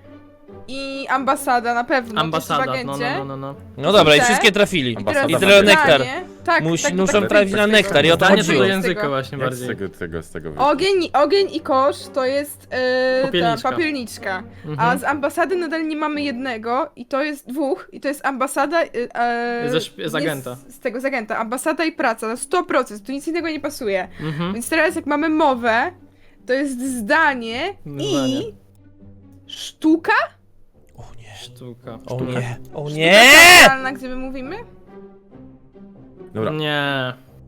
S6: i ambasada na pewno,
S3: Ambasada,
S6: też w
S3: no,
S6: agencie.
S3: no, no, no.
S2: No dobra, i
S6: Te?
S2: wszystkie trafili.
S6: I
S8: Ambasada
S6: teraz
S2: I tyle
S6: zdanie.
S2: nektar.
S6: Tak,
S2: Musi-
S6: tak,
S2: muszą
S6: tak,
S2: trafić
S6: tak,
S2: na
S6: tak,
S2: nektar i o to
S3: Zdanie
S2: chodziło.
S3: do
S6: Z
S3: języka
S6: tego.
S3: właśnie
S8: Jak z
S3: bardziej.
S8: tego, z tego, z tego wyjść?
S6: Ogień, ogień i kosz to jest yy, ta
S3: Popielniczka.
S6: papielniczka. A
S3: Mhm.
S6: z ambasady nadal nie mamy jednego i to jest dwóch i to jest ambasada yy, yy,
S3: Ze szp- z
S6: nie
S3: agenta.
S6: Z, z tego z agenta. Ambasada i praca na sto procent, tu nic innego nie pasuje.
S3: Mhm.
S6: Więc teraz jak mamy mowę, to jest zdanie
S3: Zdanie.
S6: i sztuka?
S2: O nie,
S3: Sztuka.
S2: o
S3: Sztuka.
S2: nie, o
S6: Sztuka
S2: nie!
S6: teatralna, gdzie my mówimy?
S8: Dobra,
S3: Nie.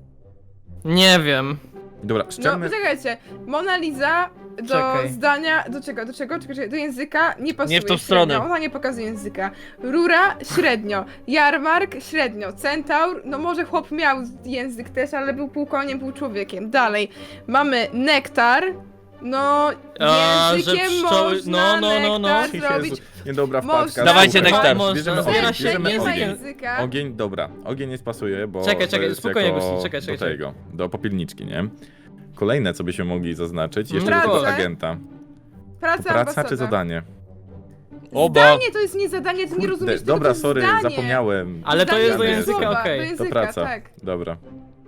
S3: Nie wiem.
S8: dobra,
S6: No,
S8: szczelmy.
S6: poczekajcie. Mona Lisa do
S3: Czekaj.
S6: zdania, do czego, do czego? Czekaj, czekaj, do języka nie pasuje.
S2: Nie w tą
S6: średnio,
S2: stronę.
S6: Ona nie pokazuje języka. Rura średnio. Jarmark średnio. Centaur, no może chłop miał język też, ale był pół koniem, pół człowiekiem. Dalej. Mamy nektar. No,
S3: A, że
S6: językiem
S3: pszczoły-
S6: można
S3: no, no, no, no.
S6: nektar zrobić.
S8: Jezu, niedobra
S6: Można.
S8: wpadka.
S2: Dawajcie
S8: Dobra,
S2: nektar.
S3: Można.
S8: Bierzemy
S3: Zbiera
S8: ogień,
S3: się
S8: bierzemy
S6: nie ma
S8: ogień.
S6: języka.
S8: Ogień, dobra, ogień nie pasuje, bo
S3: Czekaj,
S8: to
S3: czekaj,
S8: jest
S3: spokojnie,
S8: jako
S3: Gusti, czekaj, czekaj,
S8: do tego, do popielniczki, nie? Kolejne, co byśmy mogli zaznaczyć, jeszcze
S6: Praca.
S8: do tego agenta. To
S6: Praca,
S8: praca
S6: ambasada.
S8: czy zadanie?
S2: Oba.
S6: Zdanie to jest nie zadanie, ty nie
S8: Kurde,
S6: rozumiesz tego,
S8: dobra,
S6: to jest
S8: sorry,
S6: zdanie.
S8: zapomniałem.
S3: Ale to
S6: Zdanie
S3: jest do
S8: Zdanie.
S3: języka,
S6: słowa,
S3: okej.
S6: Do
S8: To
S6: języka,
S8: praca.
S6: tak.
S8: Dobra.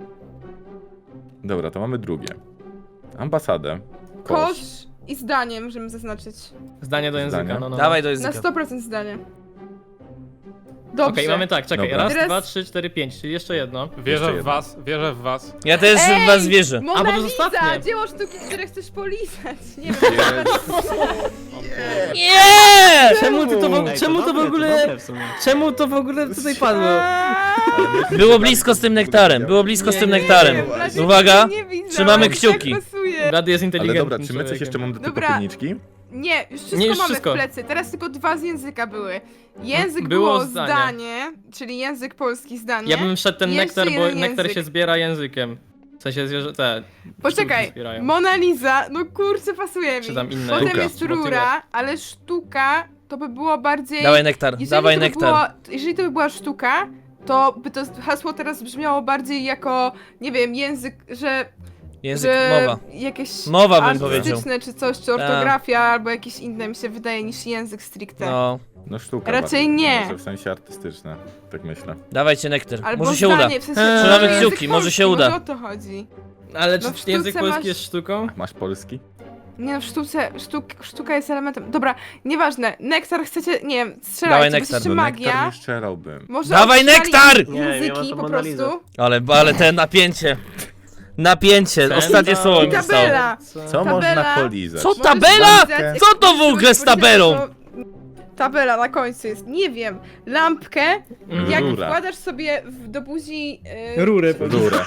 S8: Dobra, to mamy drugie. Ambasadę.
S6: Kosz
S8: Kosz.
S6: i zdanie możemy zaznaczyć.
S3: Zdanie do języka,
S8: Zdanie.
S3: no, no.
S2: Dawaj do
S6: Na
S2: języka.
S6: sto procent zdanie.
S3: Okej,
S6: Dobrze.
S3: mamy tak, czekaj,
S8: Dobra.
S3: raz,
S6: Teraz-
S3: dwa, trzy, cztery, pięć, czyli jeszcze jedno.
S4: Wierzę
S8: Jeszcze
S4: w
S8: jedno.
S4: was, wierzę w was.
S2: Ja też w
S6: Ej!
S2: was wierzę.
S6: Mona
S3: A, bo to
S6: Lisa,
S3: ostatnie.
S6: dzieło sztuki, które chcesz polizać. Nie wiem.
S2: Nie!
S3: Czemu ty to w,
S7: Ej,
S3: czemu to w
S7: dobre,
S3: ogóle...
S7: dobre w sumie.
S3: Czemu to w ogóle tutaj padło?
S2: Było blisko z tym nektarem, było blisko z tym
S3: Nie,
S2: nektarem.
S6: Nie wiem, raczej
S2: Uwaga,
S6: tego nie widziałam,
S2: trzymamy
S6: jak
S2: kciuki.
S6: Tak pasuje.
S3: Rady jest
S8: Ale
S3: inteligentny
S8: dobra, czy my coś
S3: człowiekiem.
S8: jeszcze mamy do tej
S6: Dobra.
S8: popielniczki?
S6: Nie, już wszystko
S3: Nie, już
S6: mamy
S3: wszystko.
S6: w plecy. Teraz tylko dwa z języka były. Język
S3: Było
S6: było,
S3: zdanie.
S6: zdanie. czyli język polski zdanie.
S3: Ja bym wszedł ten
S6: Jeszcze
S3: nektar, bo
S6: jeden
S3: nektar
S6: język.
S3: się zbiera językiem. W sensie zwierzę, te... pszczółki
S6: Poczekaj,
S3: zbierają.
S6: Mona Lisa, no kurczę, pasuje mi.
S3: Czy tam inne
S6: Potem
S8: Sztuka.
S6: jest rura, ale sztuka to by było bardziej...
S2: Dawaj nektar,
S6: Jeżeli
S2: dawaj
S6: to by
S2: nektar.
S6: Było, jeżeli to by była sztuka, to by to hasło teraz brzmiało bardziej jako, nie wiem, język, że...
S2: Język,
S6: że
S2: mowa.
S6: jakieś
S2: Mowa bym powiedział.
S6: artystyczne czy coś, czy ortografia, albo jakieś inne mi się wydaje niż język stricte.
S2: No,
S8: No sztuka.
S6: Raczej
S8: bardziej,
S6: nie.
S8: Może w sensie artystyczne, tak myślę.
S2: dawajcie nektar.
S6: Albo
S2: Może się uda.
S6: zdanie, w sensie,
S3: Eee.
S6: może
S2: Trzymamy
S6: język
S2: kciuki, może się
S6: polski,
S2: uda.
S6: Może o to chodzi.
S3: Ale
S6: No
S3: czy
S6: w
S3: język
S6: sztuce
S3: polski
S6: masz-
S3: jest sztuką?
S8: Masz polski?
S6: Nie no, w sztuce, sztuk, sztuka jest elementem. Dobra, nieważne. Nektar chcecie, nie wiem,
S2: Dawaj
S6: strzelajcie, bo
S2: nektar.
S6: jesteście
S8: No
S6: magia.
S8: nektar nie strzelałbym.
S6: Może
S2: Dawaj
S6: odstrzelali
S2: nektar!
S7: Nie, nie ma
S6: Języki
S7: to
S6: po
S7: Mona Lisa.
S6: prostu.
S2: Ale, ale te napięcie. Napięcie,
S3: Ten-
S2: ostatnie słowo
S6: I
S2: mi zostało.
S6: tabela.
S8: Co
S6: Tabela.
S8: można polizać?
S2: Co
S6: Możesz
S2: tabela?
S6: polizać-
S2: Co to w ogóle z tabelą?
S6: Tabela na końcu jest, nie wiem, lampkę,
S3: Mhm.
S6: jak
S8: Rura.
S6: wkładasz sobie w, do buzi... Yy,
S3: Rurę.
S8: Rurę.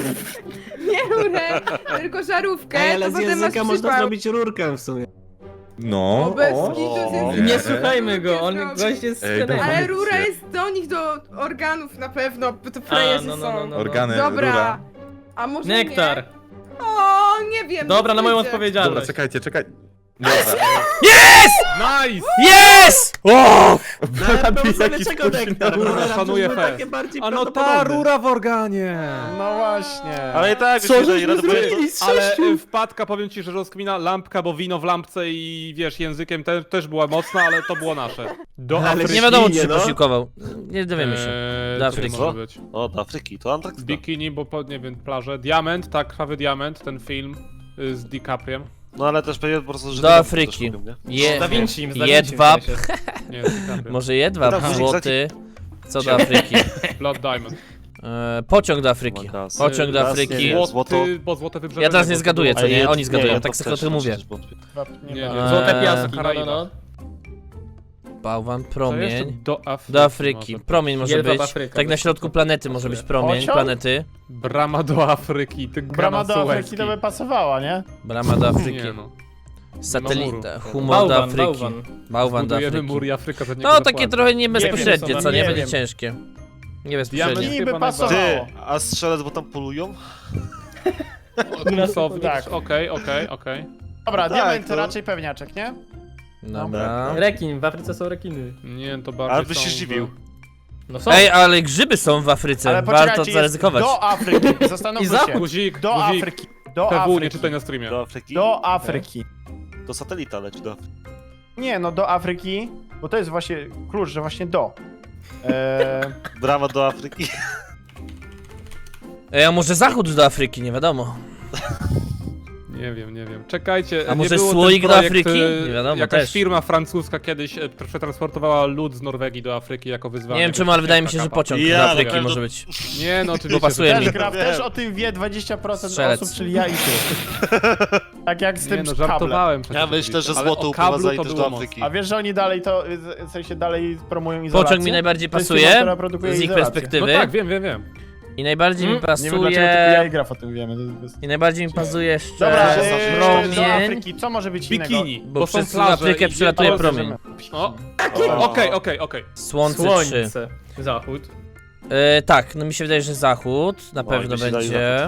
S6: nie rurę, tylko żarówkę,
S7: Ej, ale
S6: to
S7: z
S6: potem masz
S7: języka można
S6: przypał.
S7: zrobić rurkę w sumie.
S8: No.
S6: O, bez
S7: o,
S6: kitu
S5: o,
S6: jest
S3: Nie
S6: język.
S3: słuchajmy go, on
S6: Zrobił.
S3: gość jest
S8: Ej,
S3: trenerem.
S8: dawaj.
S6: Ale rura jest do nich, do organów na pewno, bo to frajerzy
S3: no, no, no,
S6: są.
S3: no.
S8: Organy,
S6: Dobra.
S8: rura.
S6: A może
S3: Nektar.
S6: nie? O, nie wiem.
S3: Dobra, na moją
S6: wiecie.
S3: odpowiedzialność.
S8: Dobra, czekajcie, czekaj. Dobra.
S4: Nice!
S2: Yes! O!
S7: Ale czego nektar?
S4: Rura
S7: Rura
S4: szanuje
S7: były
S4: fest.
S7: takie bardziej
S4: A no ta
S7: prawdopodobne.
S4: rura w organie!
S1: No właśnie.
S5: Ale i tak,
S3: Co
S5: myślę, że
S3: żeśmy
S5: Red Bull
S3: zrobili z
S4: Ale
S3: sześciu?
S4: y, wpadka, powiem ci, że rozkmina lampka, bo wino w lampce i wiesz, językiem te, też była mocna, ale to było nasze. Do
S7: Ale
S4: Afryki.
S2: Nie wiadomo, czy się
S7: Świnie, no.
S2: posiłkował. Nie dowiemy się.
S4: Eee,
S2: Do
S4: co
S2: Afryki.
S4: może być?
S5: O, do Afryki, to Antarktyda.
S4: Bikini, bo po, nie wiem, plaże. Diament, tak, krwawy diament, ten film y, z DiCapriem.
S5: No ale też pewnie po prostu, że...
S2: Do
S5: nie wiem,
S2: Afryki.
S5: też mówią, nie?
S2: Je,
S3: Da Vinci, z Da Vinci
S2: jedwab.
S3: w sensie.
S4: Nie, z DiCapriem.
S2: Może jedwab
S5: Dobra,
S2: złoty. Co do Afryki?
S4: Blood Diamond.
S2: E, pociąg do Afryki.
S5: Magas.
S2: Pociąg do
S5: Gaz,
S2: Afryki.
S5: nie wiem. Złoto.
S4: Złoty, bo złote wybrzeże.
S2: Ja teraz nie
S4: tego
S2: zgaduję,
S4: było.
S2: co nie?
S5: jed-
S2: Oni zgadują,
S5: nie,
S2: tak
S5: to
S2: sobie
S5: też
S2: o tym mówię.
S5: przecież wątpię.
S1: Nie
S4: Nie,
S1: ma.
S4: nie.
S3: Złote
S2: Eee,
S3: piaski, no, no,
S4: Karaiba.
S3: no.
S2: Bałwan,
S4: Co jeszcze?
S2: promień.
S4: Do Afryki.
S2: Do Afryki.
S4: może.
S2: Promień może
S3: Jedwab
S2: być.
S3: Afryka,
S2: Tak na
S3: bez
S2: środku
S3: kitu.
S2: planety może być promień
S1: Pociąg?
S2: planety.
S4: Brama do Afryki, ty
S1: Brama do
S4: Suezki.
S1: Afryki to by pasowała, nie?
S2: Brama do Afryki.
S4: Nie no.
S2: Satelita. Humor do
S3: Bałwan,
S2: Afryki.
S3: bałwan.
S2: Bałwan do
S4: Budujemy
S2: Afryki.
S4: mur i Afryka za niego
S2: No takie
S4: zapłaci.
S2: trochę niebezpośrednie,
S1: wiem,
S2: co nie?
S1: nie
S2: Będzie
S1: wiem.
S2: ciężkie.
S4: Diament
S2: Niebezpośrednie.
S1: Niby
S4: chyba
S1: pasowało.
S5: Ty, a strzelec, bo tam polują?
S4: Klusowicz,
S1: Tak.
S4: okej, okej, okej.
S1: Dobra,
S5: Tak,
S1: diament
S5: to-
S1: raczej pewniaczek, nie?
S2: Dobra.
S3: Rekin, w Afryce są rekiny.
S4: Nie, to bardziej
S5: Ale byś
S4: są
S5: się
S4: w-
S5: zdziwił.
S3: No są.
S2: Ej, ale grzyby są w Afryce.
S1: Ale
S2: Warto
S1: poczekajcie, jest
S2: zaryzykować.
S1: do Afryki.
S3: I
S1: Zastanówmy
S3: zachód.
S1: się.
S4: Guzik,
S1: Do
S4: guzik.
S1: Afryki. Do
S4: P W nie
S1: Afryki.
S4: czytaj na streamie.
S5: Do Afryki?
S1: Do Afryki.
S5: Do satelita leci do Afryki.
S1: Nie, no do Afryki, bo to jest właśnie klucz, że właśnie do. Eee,
S5: Brama do Afryki.
S2: Ej, a może zachód do Afryki, nie wiadomo.
S4: Nie wiem, nie wiem. Czekajcie,
S2: A
S4: nie
S2: może
S4: było
S2: słoik
S4: ten
S2: do
S4: projekt,
S2: Afryki?
S4: e,
S2: Nie wiadomo,
S4: Jakaś
S2: też.
S4: firma francuska kiedyś e, przetransportowała lud z Norwegii do Afryki jako wyzwanie.
S2: Nie wiem czemu, ale wydaje mi się, że pociąg
S5: Ja,
S2: do
S5: ale
S2: Afryki
S5: każdy-
S2: może być.
S4: Nie no, oczywiście.
S2: pasuje
S4: że
S2: mi.
S1: też
S4: tak.
S1: gra,
S5: Wiem.
S1: też o tym wie dwadzieścia procent
S2: Strzelec.
S1: osób, czyli ja i ty. Tak jak z
S4: Nie
S1: tym
S4: no,
S1: kablem.
S4: żartowałem.
S5: Ja myślę, że
S4: ale
S5: złoto
S4: o kablu
S5: uprowadza
S4: to
S5: też
S4: było
S5: do Afryki.
S1: A wiesz, że oni dalej to, w sensie dalej promują izolację?
S2: Pociąg mi najbardziej
S1: To jest firma,
S2: pasuje
S1: która produkuje
S2: z ich
S1: izolację.
S4: No
S2: perspektywy.
S4: tak, wiem, wiem, wiem.
S2: I najbardziej mi
S3: Hmm?
S1: Nie wiem dlaczego tylko ja i
S2: pasuje...
S1: Graf o tym wiemy. to jest-
S2: I najbardziej mi pasuje jeszcze
S1: Dobra,
S5: Że
S1: eee, do
S2: promień.
S1: Afryki, co może być innego?
S4: Bikini,
S2: Bo
S4: bo, są
S2: przez
S4: plaże
S2: Afrykę
S4: i-
S2: przylatuje
S4: o,
S2: promień.
S4: O,
S5: O.
S4: okej, okej, okej.
S2: Słońce trzy.
S3: Słońce. Zachód.
S2: E, tak, no mi się wydaje, że zachód na
S5: Oj,
S2: pewno
S5: mi się daje
S2: będzie.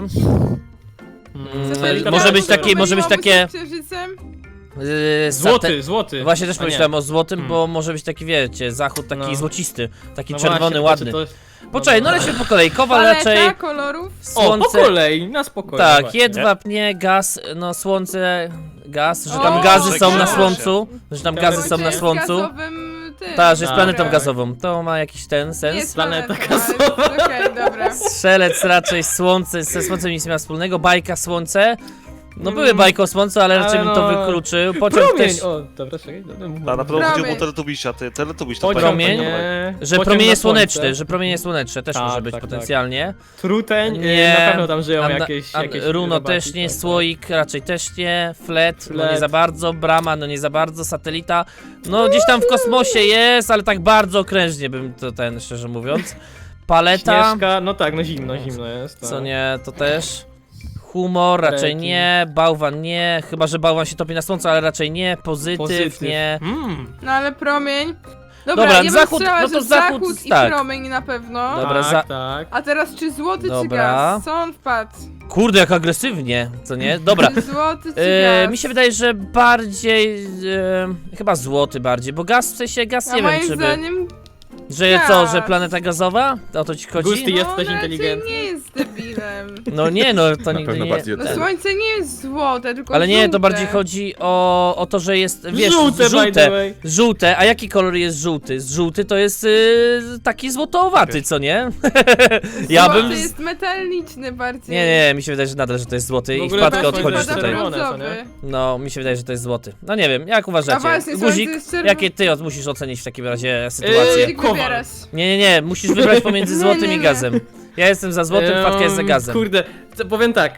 S3: Mm,
S6: Satelita
S2: może być
S6: Marsa
S2: takie- może być
S6: pomyliłoby
S2: takie-
S6: się z Księżycem?
S2: E, sate-
S3: Złoty, złoty.
S2: Właśnie też
S3: A nie.
S2: pomyślałem o złotym,
S3: Hmm.
S2: bo może być taki, wiecie, zachód taki
S3: No.
S2: złocisty, taki
S3: No
S2: czerwony,
S3: właśnie,
S2: ładny.
S3: to- to-
S2: Poczekaj, no
S3: no.
S2: lecimy po kolei. Kowal
S6: Paleta
S2: raczej,
S6: kolorów?
S3: O, po
S2: słońce...
S3: kolei, na spokojnie.
S2: Tak,
S3: właśnie.
S2: jedwab nie, gaz, no słońce, gaz, że
S6: O,
S2: tam gazy są na
S6: gaz.
S2: słońcu, że tam gazy są
S6: Słońce
S2: na
S6: jest
S2: słońcu.
S6: gazowym tym.
S2: Tak, że jest
S3: Tak.
S2: planetą gazową. To ma jakiś ten
S6: Nie
S2: sens.
S6: jest
S3: Planeta
S6: planeta gazowa. Okej, dobra.
S2: Strzelec raczej słońce, ze słońcem nic nie ma wspólnego. Bajka słońce. No
S3: Mm.
S2: były bajki o słońcu, ale raczej
S3: Ale
S2: bym to
S3: no-
S2: wykluczył. Pociąg
S3: Promień!
S2: też,
S3: O, dobra, czekaj. dobra, mów,
S5: Ta, na
S3: mów.
S5: pewno chodziło
S6: Promień.
S5: o Teletubisia, ty, Teletubiś to
S3: Pociąg,
S2: Promień?
S3: nie.
S2: że
S3: Pociąg
S2: promienie
S3: na
S2: słoneczne,
S3: słońce.
S2: że promienie słoneczne też
S3: Tak,
S2: może być
S3: tak, tak.
S2: potencjalnie.
S3: Truteń,
S2: Nie.
S3: nie. Na pewno tam żyją
S2: Anda-
S3: jakieś,
S2: An-
S3: jakieś
S2: Runo
S3: robaki,
S2: też nie,
S3: tak,
S2: słoik raczej też nie, flet, no nie
S3: Flet.
S2: za bardzo, brama, no nie za bardzo, satelita, no gdzieś tam w kosmosie jest, ale tak bardzo okrężnie bym to ten, szczerze mówiąc.
S3: tak.
S2: Paleta,
S3: Śnieżka, no tak, no zimno, zimno jest. Tak.
S2: co nie, to też. Humor raczej
S3: Rekin.
S2: nie, bałwan nie, chyba że bałwan się topi na słońcu, ale raczej nie, pozytyw,
S3: Pozytyw.
S2: nie.
S3: Mm.
S6: No ale promień. Dobra,
S2: Dobra,
S6: ja bym
S2: zachód-
S6: strzelała,
S2: no to
S6: że
S2: zachód,
S6: zachód i
S2: tak.
S6: promień na pewno.
S2: Dobra,
S3: tak,
S2: za-
S3: tak.
S6: A teraz czy złoty czy
S2: Dobra.
S6: gaz? Co on wpadł?
S2: Kurde, jak agresywnie, co nie? Dobra.
S6: Czy złoty czy
S2: E,
S6: gaz?
S2: mi się wydaje, że bardziej, e, chyba złoty bardziej, bo gaz, w sensie gaz
S6: A
S2: nie wiem
S6: moim
S2: czy by,
S6: zdaniem
S2: że co, że
S6: gaz.
S2: planeta gazowa? O to ci chodzi?
S3: Gusty jest
S6: no,
S3: ktoś
S6: raczej
S3: inteligentny.
S6: nie jest debilem.
S2: No nie, no to
S8: Na
S2: nigdy
S8: pewno
S2: nie.
S8: bardziej
S6: No
S8: ten.
S6: słońce nie jest złote, tylko
S2: Ale nie,
S6: żółte.
S2: to bardziej chodzi o, o to, że jest, wiesz,
S3: Żółte, by the
S2: żółte,
S3: way.
S2: żółte, a jaki kolor jest żółty? Żółty to jest y, taki złotoowaty, co nie? ja
S6: Złoty
S2: bym...
S6: jest metaliczny bardziej.
S2: Nie, nie, mi się wydaje, że nadal, że to jest złoty
S3: W
S2: i
S3: ogóle
S2: wpadkę
S3: też
S2: odchodzisz
S3: jest
S2: tutaj.
S3: czerwone, co nie?
S6: brązowy.
S2: No, mi się wydaje, że to jest złoty. No nie wiem, jak
S6: A
S2: uważacie?
S6: właśnie, słońce
S2: Guzik,
S6: jest czerwone.
S2: jakie ty od- musisz ocenić w takim razie sytuację?
S3: Yy,
S6: Guzik
S3: Kowal.
S6: wybierasz.
S2: Nie, nie, nie, musisz wybrać pomiędzy
S6: Nie,
S2: złotym
S6: nie,
S2: i
S6: nie.
S2: gazem. Ja jestem za złotym, wpadka jest za
S3: Ehm,
S2: gazem.
S3: Kurde, co- powiem tak.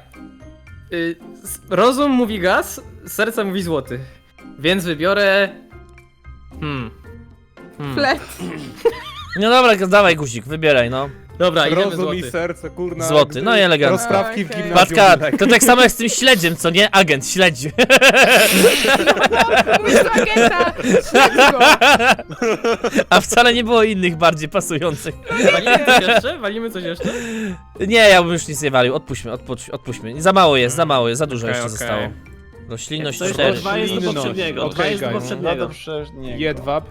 S3: Y, s- rozum mówi gaz, serce mówi złoty. Więc wybiorę... Hmm. hmm.
S6: Flet.
S2: No dobra, dawaj guzik, wybieraj, no.
S3: Dobra, idziemy
S4: Rozum i
S3: złoty.
S4: serce, kurna.
S2: Złoty, no i elegancko.
S4: Rozprawki w
S6: Okej.
S4: gimnazjum.
S2: Patka, to tak samo jak z tym śledziem, co nie? Agent, śledzi.
S6: Mój agenta! Śledź go!
S2: A wcale nie było innych bardziej pasujących.
S3: Walimy coś jeszcze? Walimy coś jeszcze?
S2: Nie, ja bym już nic nie walił, odpuśćmy, odpuść, odpuśćmy. Za mało jest, za mało jest, za dużo
S4: Okej,
S2: jeszcze
S4: okej.
S2: zostało. Roślinność
S7: To jest
S2: cztery.
S7: dwa jest do
S4: Roślinność.
S7: poprzedniego,
S4: Okej,
S7: dwa jest do
S4: guys.
S1: No
S7: poprzedniego.
S1: to przecież nie.
S4: Jedwab.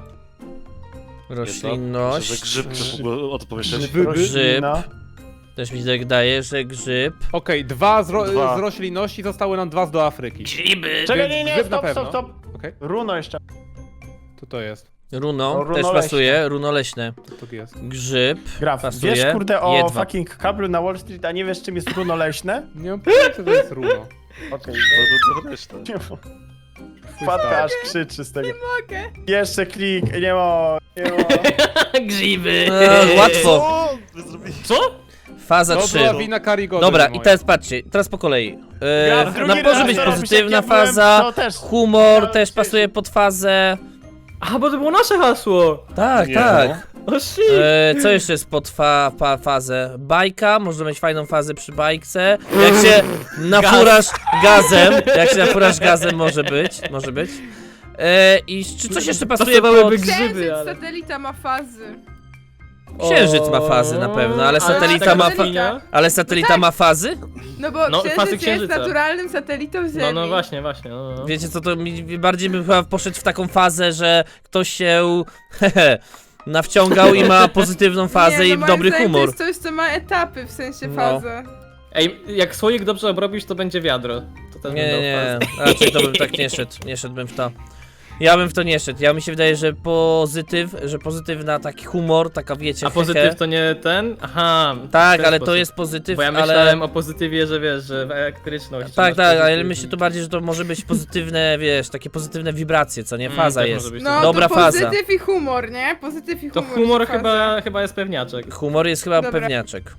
S5: Że
S2: Roślinność.
S5: grzybkę w ogóle o to pomyśleć.
S4: Grzyby.
S1: Roślina.
S2: Też mi się tak daje, że grzyb.
S4: Okej, dwa, z, ro
S1: Dwa.
S4: z roślinności, zostały nam dwa z do Afryki.
S3: Grzyby!
S1: Czekaj,
S4: Więc
S1: nie, nie,
S4: grzyb na
S1: stop,
S4: pewno.
S1: stop, stop.
S4: Okej,
S1: Runo jeszcze.
S4: to to jest.
S2: Runo,
S1: No, runo
S2: też
S1: leśne.
S2: pasuje, runo leśne.
S4: To tu jest.
S2: Grzyb.
S1: Graf,
S2: Pasuje.
S1: wiesz kurde o
S2: Jedwab.
S1: fucking kablu na Wall Street, a nie wiesz czym jest runo leśne?
S4: Nie mam pojęcia, co to jest runo.
S1: Okej,
S5: No to to reszta.
S1: wpadka aż krzyczy z tego.
S6: Mogę.
S1: Jeszcze klik, nie ma, nie ma.
S3: Grzyby!
S2: E, łatwo.
S5: Co? Wy zrobili...
S3: Co?
S2: Faza
S4: To
S2: trzy.
S4: była wina Karigody.
S2: Dobra, i
S4: moja.
S2: teraz patrzcie, teraz po kolei. E,
S1: Graf, drugi
S2: na może
S1: raz
S2: być
S1: to robisz,
S2: pozytywna
S1: jak ja byłem,
S2: faza,
S1: to też.
S2: humor
S1: Ja
S2: też
S1: się-
S2: pasuje pod fazę.
S3: A, bo to było nasze hasło!
S2: Tak,
S5: Nie,
S2: tak.
S3: O shit!
S2: E, co jeszcze jest pod fa fa fazę? Bajka, można mieć fajną fazę przy bajce. Jak się nafurasz gazem, jak się nafurasz gazem może być, może być. E, I czy coś jeszcze pasuje pod...
S3: Pasowałyby grzyby,
S6: Księżyc,
S3: ale...
S6: satelita ma fazy.
S2: Księżyc ma fazy na pewno, ale satelita
S6: tak
S2: ma
S6: satelita.
S2: fa ale satelita ma fazy?
S6: No bo
S3: No, fazy
S6: księżyc jest
S3: księżyca.
S6: naturalnym satelitą Ziemi.
S3: No, no właśnie, właśnie. No, no.
S2: Wiecie co, to mi bardziej bym chyba poszedł w taką fazę, że ktoś się hehe, nawciągał i ma pozytywną fazę
S6: nie,
S2: i
S6: no
S2: dobry
S6: moim zdaniem
S2: humor.
S6: To jest coś, co ma etapy, w sensie
S2: No.
S6: fazę.
S3: Ej, jak słoik dobrze obrobisz, to będzie wiadro. To też
S2: Nie,
S3: będą
S2: nie,
S3: fazy.
S2: raczej to bym tak nie szedł, nie szedłbym w to. Ja bym w to nie szedł, ja mi się wydaje, że pozytyw, że pozytywna taki humor, taka wiecie,
S3: A pozytyw
S2: hehe.
S3: to nie ten? Aha. w
S2: Tak,
S3: ten
S2: ale to
S3: sposób.
S2: jest pozytyw,
S3: Bo ja
S2: ale...
S3: myślałem o pozytywie, że wiesz, że w elektryczność.
S2: Tak,
S3: masz
S2: tak, ale
S3: pozytyw
S2: myślę
S3: i-
S2: tu bardziej, że to może być pozytywne, wiesz, takie pozytywne wibracje, co nie?
S3: Mm,
S2: Faza
S3: też
S2: jest.
S3: może być.
S6: No
S2: Dobra
S6: to
S2: faza.
S6: pozytyw i humor, nie? Pozytyw i
S3: To
S6: humor.
S3: humor
S6: jest faza.
S3: chyba, chyba jest pewniaczek.
S2: Humor jest chyba
S6: Dobra.
S2: pewniaczek.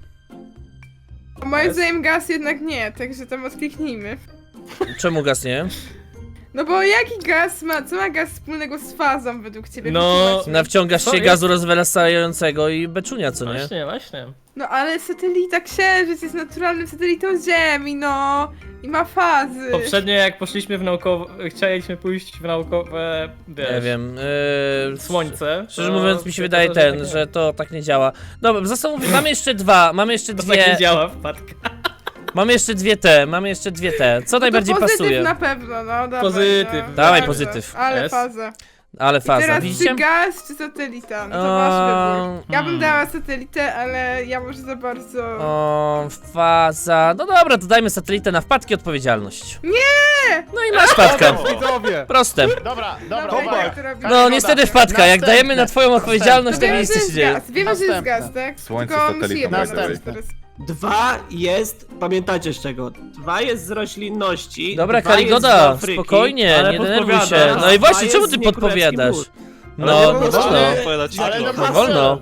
S6: Moim zdaniem gaz jednak nie, także tam odkliknijmy.
S2: Czemu gaz nie?
S6: No bo jaki gaz ma, co ma gaz wspólnego z fazą według ciebie?
S3: No,
S6: Wytłumacz mi.
S2: Nawciągasz
S3: Co
S2: się
S3: jest?
S2: gazu rozwelasającego i beczunia, co nie?
S3: Właśnie, właśnie.
S6: No ale satelita Księżyc jest naturalnym satelitą Ziemi, no. I ma fazy.
S3: Poprzednio jak poszliśmy w naukowe, chcieliśmy pójść w naukowe, wiesz,
S2: Nie wiem. Yy,
S3: słońce.
S2: Szczerze
S3: to
S2: mówiąc, mi się
S3: to
S2: wydaje
S3: to,
S2: ten,
S3: tak
S2: że to tak nie działa. Dobra, zastanów, mamy jeszcze dwa, mamy jeszcze
S3: To tak nie
S2: dwie.
S3: działa wpadka.
S2: Mamy jeszcze dwie te, mamy jeszcze dwie te. Co najbardziej
S6: No to pozytyw
S2: pasuje?
S6: na pewno, no dawaj,
S3: Pozytyw.
S6: No.
S2: Dawaj
S6: Faza.
S2: pozytyw.
S6: Ale
S3: Jest.
S6: faza.
S2: Ale
S6: I
S2: faza,
S6: teraz
S2: widzicie?
S6: czy gaz, czy satelita? No to
S2: O,
S6: wasz wybór. Ja bym
S3: hmm.
S6: dała satelitę, ale ja może za bardzo...
S2: O, faza. No dobra, to dajmy satelitę na wpadki odpowiedzialność.
S6: Nie!
S2: No i masz wpadkę.
S4: Widzowie!
S2: Proste.
S1: Dobra, dobra,
S6: Dobra,
S1: uwaga.
S6: jak to robimy?
S2: No niestety wpadka, jak dajemy na twoją odpowiedzialność, to
S6: Wiemy,
S2: nic
S6: że
S2: się
S6: jest
S2: dzieje.
S6: gaz, wiemy, że jest
S1: Następne.
S6: gaz, tak?
S8: Słońce,
S6: Tylko
S8: satelita,
S6: musi jedna
S1: następne.
S6: być teraz.
S7: Dwa jest, pamiętacie z czego? Dwa jest z roślinności.
S2: Dobra,
S7: dwa jest
S2: Karigoda,
S7: z Afryki,
S2: spokojnie,
S7: ale
S2: nie denerwuj się.
S7: podpowiada,
S2: No i
S7: dwa
S2: właśnie,
S7: jest
S2: czemu
S7: z
S2: ty
S7: Niekrólewski
S2: podpowiadasz?
S7: Mur.
S2: No,
S7: Ale
S2: no
S7: nie
S2: wolno.
S7: wolno.
S5: Odpowiadać
S1: Ale
S5: nie
S1: no
S5: wolno.
S2: No wolno.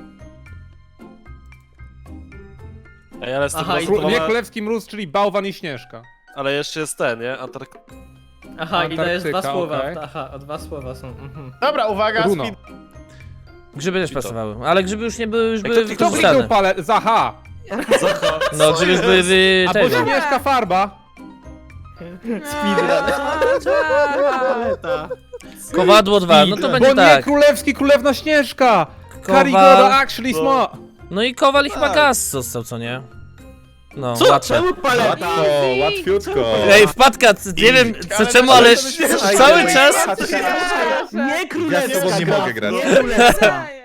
S5: Ej, ale jestem
S3: Aha, i
S5: rozbudowana-
S4: Nie królewski mróz, czyli bałwan i śnieżka.
S5: Ale jeszcze jest ten, nie? Antark...
S3: Aha, i dajesz dwa
S4: Antarktyka,
S3: słowa.
S4: okej.
S3: Aha, o dwa słowa są. Mhm.
S1: Dobra, uwaga,
S4: Runo.
S1: speed...
S2: Grzyby też
S5: I to.
S2: pasowały, ale grzyby już nie były, już
S5: Ej,
S2: były
S5: kto kliknął?
S4: Kto
S2: wykorzystane.
S4: kliknął palę? Zaha!
S5: Zacha,
S2: No
S5: co
S2: grzyby już
S5: jest?
S2: były wy...
S4: A bo
S2: tego.
S4: śnieżka farba!
S7: Paleta.
S2: Kowadło dwa, no to
S4: Bo
S2: będzie
S4: nie
S2: tak.
S4: królewski, królewna śnieżka!
S2: Kowal.
S4: Karigoda actually
S5: No.
S4: sma!
S2: No i kowal i chyba
S5: Tak.
S2: gaz został, co nie? No,
S3: Co?
S2: łatwe.
S7: Czemu paleta?
S8: Łatwo, łatwiutko.
S2: Ej, wpadka, c- nie wiem co czemu, ale cały czas...
S7: Nie królewska
S8: Ja z tobą nie
S7: gra.
S8: mogę grać.
S7: Nie królewska.